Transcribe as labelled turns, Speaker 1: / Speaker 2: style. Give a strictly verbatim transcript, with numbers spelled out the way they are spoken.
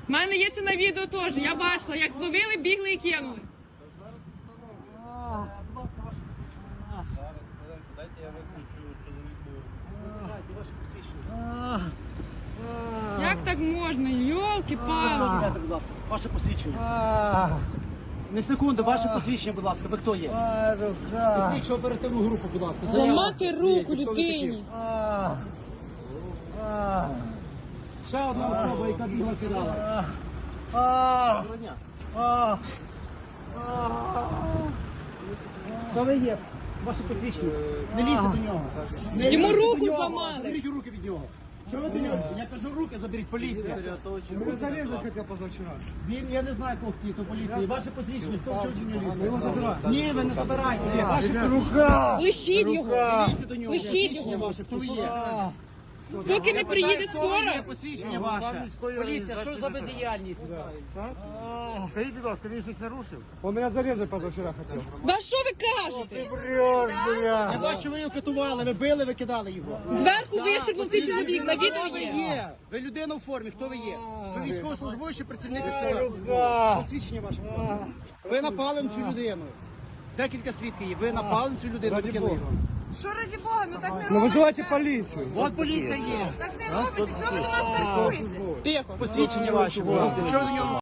Speaker 1: У мене є це на відео теж. Я бачила, як зловили, бігли і кинули.
Speaker 2: Дайте я виключу чоловіку.
Speaker 1: Як так можна? Йолки-палки.
Speaker 3: Дайте, будь ласка, ваше посвідчення. Не секунду, ваше посвідчення, будь ласка, ви хто є? Слідчу оперативну групу, будь ласка.
Speaker 1: Зламати руку людині.
Speaker 3: Ще одна особа, яка бігла кидала. Доброго дня. Хто ви є? Ваше посвідчення. Не лізьте до нього. Не
Speaker 1: Йому
Speaker 3: лізьте
Speaker 1: руку
Speaker 3: до нього.
Speaker 1: зламали.
Speaker 3: Заберіть руки від нього. Що ви до нього? Я кажу, руки заберіть, поліція.
Speaker 2: Ви зарізали хотів позавчора.
Speaker 3: Він, я не знаю, кого хотів, то поліція. Ваше посвідчення, хто вчив чи не лізьте? Ні, ви не забирайте. Ваше посвідчення.
Speaker 1: Лишіть його.
Speaker 3: Лізьте до нього.
Speaker 1: Лишіть
Speaker 3: Посвідчення
Speaker 1: його.
Speaker 3: ваше, хто ви є?
Speaker 1: Поки не приїде
Speaker 3: Хто ви є?
Speaker 1: скоро.
Speaker 3: Посвідчення ваше. Поліція, що за бездіяльність?
Speaker 2: Скажіть, будь ласка, він щось нарушив? Он мене зарізати позавчора хотів.
Speaker 1: Да що ви кажете?
Speaker 3: Я бачу, ви його катували, ви били, ви кидали його.
Speaker 1: Зверху вистрибнув цей чоловік, на відео
Speaker 3: Хто ви
Speaker 1: є.
Speaker 3: є? Ви людина у формі, хто ви є? Ви військовослужбовець чи працівник ТЦК? Посвідчення ваше, будь ласка. Ви напали на цю людину. Декілька свідків є. Ви напали на цю людину, ви кинули його.
Speaker 1: Що раді Бога, ну так не
Speaker 2: Ну
Speaker 1: робиться.
Speaker 2: визивайте поліцію.
Speaker 3: От поліція є.
Speaker 1: Так не робиться, чого ви до нас страхуєте? Тихо.
Speaker 3: Посвідчення ваше, будь ласка. Чого ви до нього?